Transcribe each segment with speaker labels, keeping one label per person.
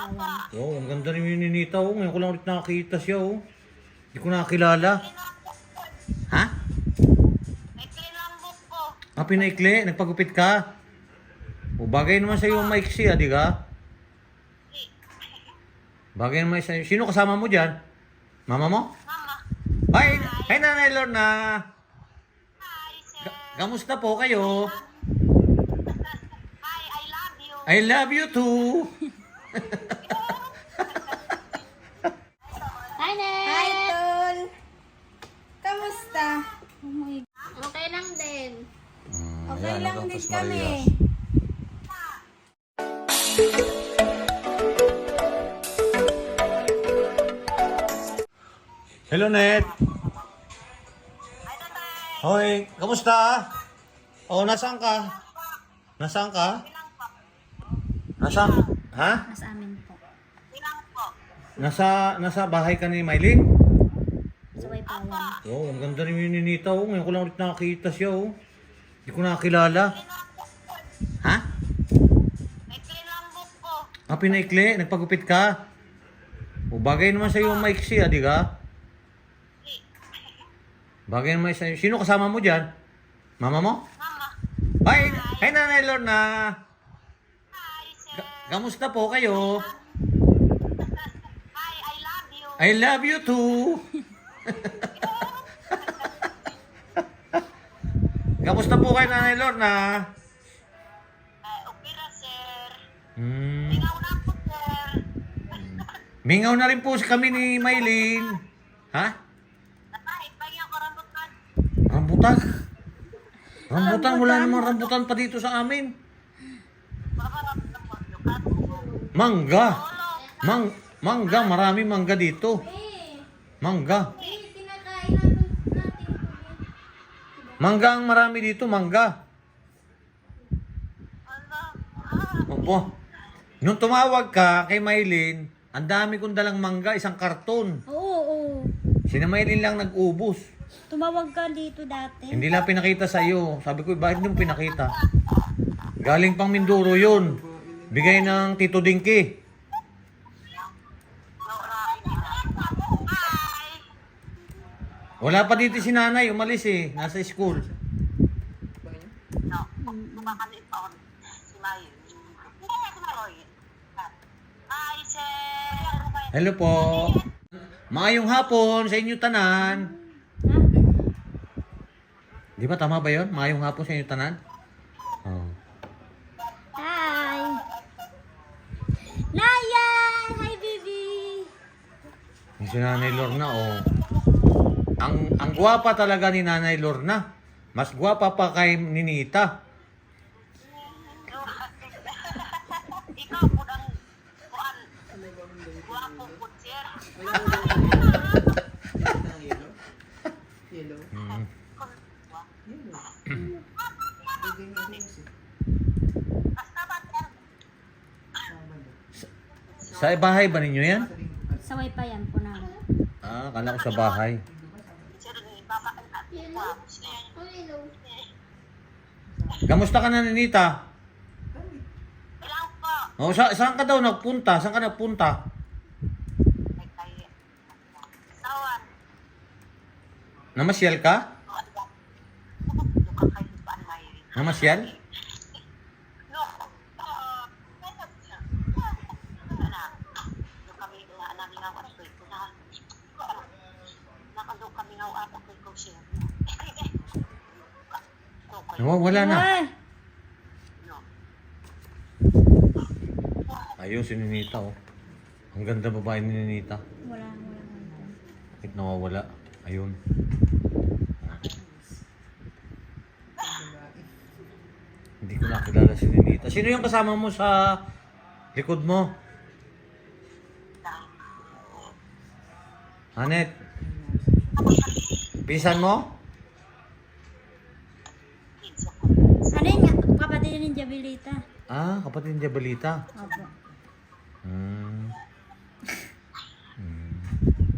Speaker 1: Ayan.
Speaker 2: Oh, ang ganda rin yung Ninita, oh. Ngayon ko lang ulit nakakita siya, oh. Hindi ko nakakilala. Ha?
Speaker 3: Maikli lang buhok ko.
Speaker 2: Ah, pinaikli? Nagpagupit ka? O, bagay naman sa'yo ang maiksi, ah, di ka? Bagay naman sa'yo. Sino kasama mo dyan? Mama mo?
Speaker 3: Mama.
Speaker 2: Hi! Hi, Nanay Lorna!
Speaker 3: Hi, sir.
Speaker 2: Kamusta po kayo?
Speaker 3: Hi, I love you.
Speaker 2: I love you too!
Speaker 1: Hi, Net!
Speaker 4: Hi, Tol! Kamusta?
Speaker 1: Oh my... Okay lang din.
Speaker 4: Okay lang din kami.
Speaker 2: Hello, Net!
Speaker 3: Hi, tatay.
Speaker 2: Hoy, kamusta? Oh, nasaan ka? Nasaan ka? Nasaan? Ha?
Speaker 1: Nasa amin po.
Speaker 3: Ilang po.
Speaker 2: Nasa bahay ka ni Mylene?
Speaker 1: Sa Waypawan.
Speaker 2: Oh, ang ganda rin yung Ninita, oh. Ngayon ko lang ulit nakakita siya, oh. Hindi ko nakakilala. Ha?
Speaker 3: Maikli lang buhok ko.
Speaker 2: Ah, pinaikli? Nagpagupit ka? O, bagay naman sa'yo ang maiksi, ah, di ka? Bagay naman sa'yo. Sino kasama mo dyan? Mama mo?
Speaker 3: Mama.
Speaker 2: Hi! Hi, Nanay Lorna!
Speaker 3: Hi, sir.
Speaker 2: Kamusta po kayo?
Speaker 3: Hi, I love you.
Speaker 2: I love you too! Kamusta po kayo, Nanay Lorna?
Speaker 3: Okay ra, sir.
Speaker 2: Hmm.
Speaker 3: Ikaw na po, sir.
Speaker 2: Mingaw na rin po kami ni Mylene. Ha?
Speaker 3: Tatay, pagyan ko rambutan.
Speaker 2: Rambutan? Rambutan? Wala namang rambutan pa dito sa amin.
Speaker 3: Baka rambutan po. Lukat.
Speaker 2: Mangga. Mangga. Marami mangga dito. Mangga. Mangga ang marami dito. Mangga. Opo. Nung tumawag ka kay Mylene, ang dami kong dalang mangga, isang karton.
Speaker 1: Oo.
Speaker 2: Si Mylene lang nag-ubos.
Speaker 1: Tumawag ka dito dati.
Speaker 2: Hindi lang pinakita sa iyo. Sabi ko, bakit hindi mo pinakita? Galing pang Mindoro yun. Bigay ng Tito Dinky.
Speaker 3: Hi.
Speaker 2: Wala pa dito si nanay, umalis eh. Nasa school.
Speaker 3: No, kumakalit pa ako si Mayo. Si Maroy. Hi, sir.
Speaker 2: Hello po. Maayong hapon sa inyo tanan. Di ba tama ba yun? Maayong hapon sa inyo tanan? Oh.
Speaker 1: Hi! Naya! Hi, baby!
Speaker 2: Yung si Nanay Lorna, oh. Ang gwapa talaga ni Nanay Lorna. Mas gwapa pa kay Ninita.
Speaker 3: Ikaw po ang kuan. Guwapo po, sir. Basta ba, sir?
Speaker 2: Sa bahay ba ninyo yan?
Speaker 1: Sa Waypayan po namin.
Speaker 2: Ah, kala ko sa bahay.
Speaker 3: Sir, baba at guwapo siya.
Speaker 2: Kamusta ka na, Ninita?
Speaker 3: Ilang po?
Speaker 2: Oh, saan ka daw nagpunta? Saan ka nagpunta?
Speaker 3: Ay, kaya. Sawan.
Speaker 2: Namasyal ka?
Speaker 3: Luka kayo pa ang may.
Speaker 2: Namasyal?
Speaker 3: No. Kami nga namin nga wato ko na. Nakado kami nga atak ko siya.
Speaker 2: Wala na.
Speaker 1: Ay!
Speaker 2: Ayun, si Ninita, oh. Ang ganda babae ni Ninita.
Speaker 1: Wala.
Speaker 2: Bakit nawawala? Ayun. Hindi ko nakilala si Ninita. Sino yung kasama mo sa likod mo? Hanet? Pisan mo?
Speaker 1: Ano yun? Kapatid ni Jabilita.
Speaker 2: Ah, kapatid ni Jabalita.
Speaker 1: Opo.
Speaker 2: Hmm. Hmm.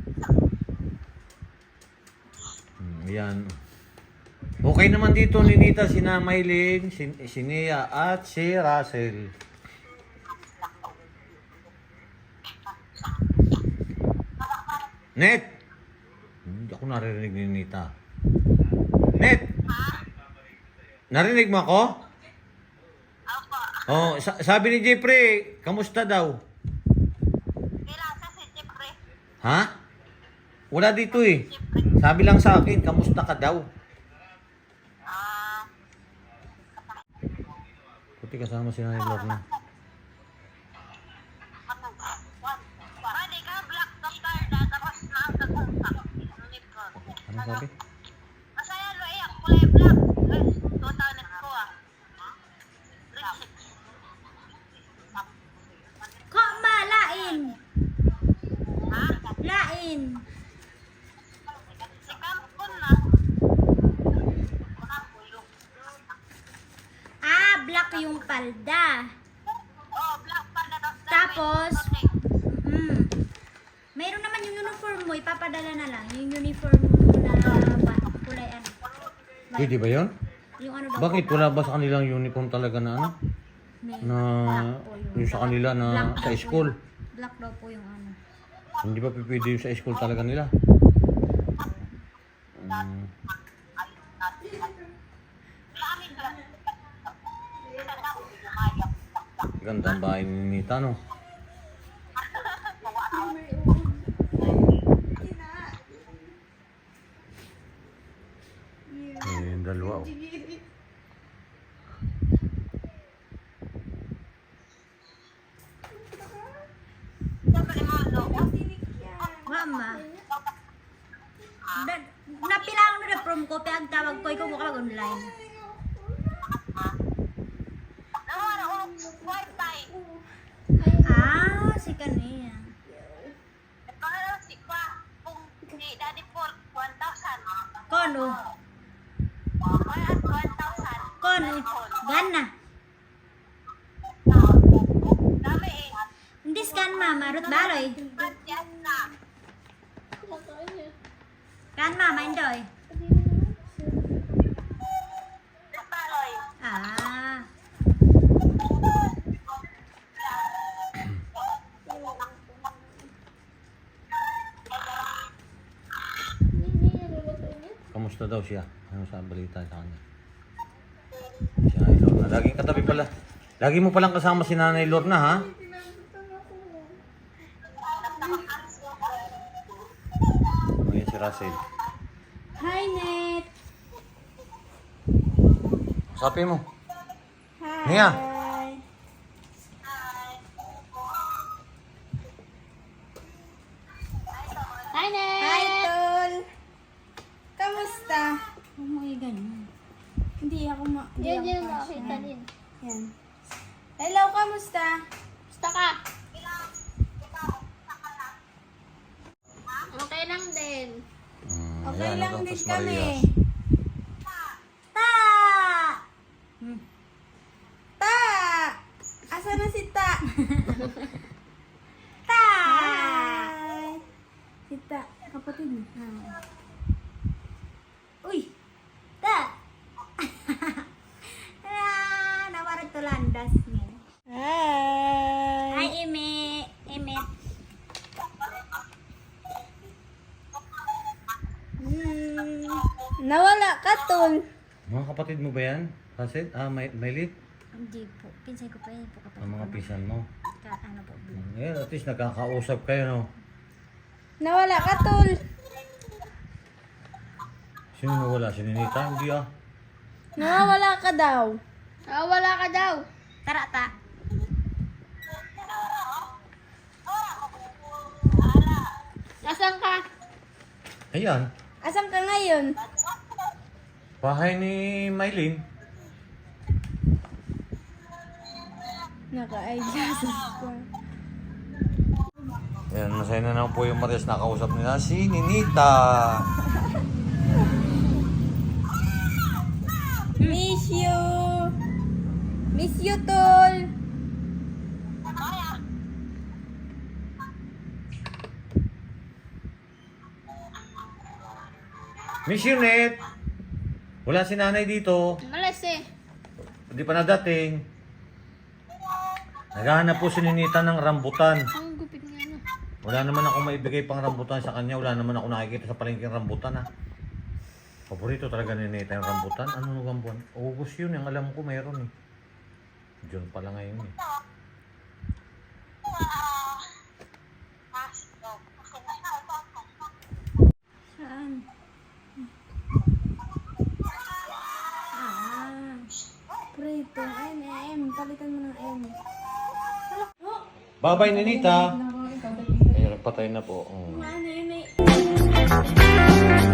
Speaker 2: Ayan. Okay naman dito ni Nita, si Mylene, si Nia at si Russell. Net! Hindi ako naririnig ni Nita. Net! Narinig mo ako?
Speaker 3: Opo.
Speaker 2: Oh, sabi ni Jeffrey, kamusta daw?
Speaker 3: Kailan sa si Jeffrey?
Speaker 2: Ha? Wala dito eh. Sabi lang sa akin, kamusta ka daw?
Speaker 3: Ah,
Speaker 2: Puti kasama si Nanay Lorna.
Speaker 3: ano? Pwede ka black doctor na tapos na ang kagunta.
Speaker 2: Ano sabi?
Speaker 3: Masaya lo iyak kulay black. 2,000 ko ah.
Speaker 1: Ko ma, lain.
Speaker 3: Ha?
Speaker 1: Lain.
Speaker 3: Si Kampon na.
Speaker 1: Ah, black yung palda.
Speaker 3: Oh, black pa na daw.
Speaker 1: Tapos, mayroon naman yung uniform mo, ipapadala na lang. Yung uniform mo na kulay ano.
Speaker 2: Pwede ba yun?
Speaker 1: Yung ano daw.
Speaker 2: Bakit wala ba sa kanilang uniform talaga na ano?
Speaker 1: May
Speaker 2: Na
Speaker 1: black po
Speaker 2: yung sa kanila na
Speaker 1: Black
Speaker 2: sa
Speaker 1: daw po
Speaker 2: school.
Speaker 1: yung- Black daw po yung ano.
Speaker 2: Hindi ba pwede yung sa school talaga nila? Hmm. Ganda ang bahay ni Nita, no? Yung dalawa, oh.
Speaker 1: Mama. Napilang na from ko, pe ang tawag ko, ikaw mo ka online. Ah, si kaniya. Kono. Kono. Gana. Hindi scan mama, rut baloy. Kan mama indoy. Ah.
Speaker 2: Kamusta daw siya? Ano sa balita sa kanya? Si Nanay Lorna. Laging katabi pala. Lagi mo palang kasama si Nanay Lorna, ha? Ayan si Russell.
Speaker 4: Hi, Net.
Speaker 2: Sabi mo.
Speaker 4: Hi.
Speaker 2: Nia.
Speaker 1: Hi, Net.
Speaker 4: Hi, Tol. Kamusta?
Speaker 1: Umuwi ganyan.
Speaker 4: Hindi ako
Speaker 5: Yan, yan,
Speaker 4: kasha.
Speaker 5: makakita din.
Speaker 4: Yan. Hello, kamusta?
Speaker 5: Basta ka. Okay lang din.
Speaker 4: Okay
Speaker 2: Ayan,
Speaker 4: lang
Speaker 2: ano daw,
Speaker 4: din
Speaker 2: Tos
Speaker 4: kami.
Speaker 2: Marias.
Speaker 1: Ta!
Speaker 4: Ta! Asa na si Ta?
Speaker 1: Ta!
Speaker 4: Hi! Si Ta, kapatid mo.
Speaker 1: Uy! Ta! Ah, nawarag to landas niya.
Speaker 4: Hi!
Speaker 1: Hi, Eme. Eme.
Speaker 4: Nawala ka, Tol.
Speaker 2: Mga kapatid mo ba yan? Russell? Maylit?
Speaker 1: Hindi po. Pinsay ko pa yun po kapag.
Speaker 2: Ang mga pisan mo.
Speaker 1: Ano po.
Speaker 2: Ayan, at least nagkakausap kayo, no?
Speaker 4: Nawala ka, Tol.
Speaker 2: Sino nawala? Si Ninita? Hindi ah.
Speaker 4: Nawawala ka daw.
Speaker 5: Ah, wala ka daw.
Speaker 1: Tara, ta.
Speaker 5: Nasaan ka?
Speaker 2: Ayan.
Speaker 4: Asan ka ngayon?
Speaker 2: Bahay ni Maylin.
Speaker 4: Naka-eyeglasses ko.
Speaker 2: Ayan, masaya na naman po yung Marias. Nakausap nila si Ninita.
Speaker 4: Miss you! Miss you, Tol!
Speaker 2: Miss Unit! Wala si nanay dito.
Speaker 5: Malas eh.
Speaker 2: Hindi pa nadating. Naghahanap po si Ninita ng rambutan.
Speaker 5: Ang gupit nga na.
Speaker 2: Wala naman ako maibigay pang rambutan sa kanya. Wala naman ako nakikita sa palengke ng rambutan ha. Paborito talaga ni Neta yung rambutan. Ano nung buwan? August yun. Yung alam ko mayroon eh. June pala ngayon eh.
Speaker 1: Saan? Ah.
Speaker 4: Prito. M. Palitan mo ng M.
Speaker 2: Bye-bye, Ninita. Ayun, patay na po.
Speaker 1: Ano yun eh?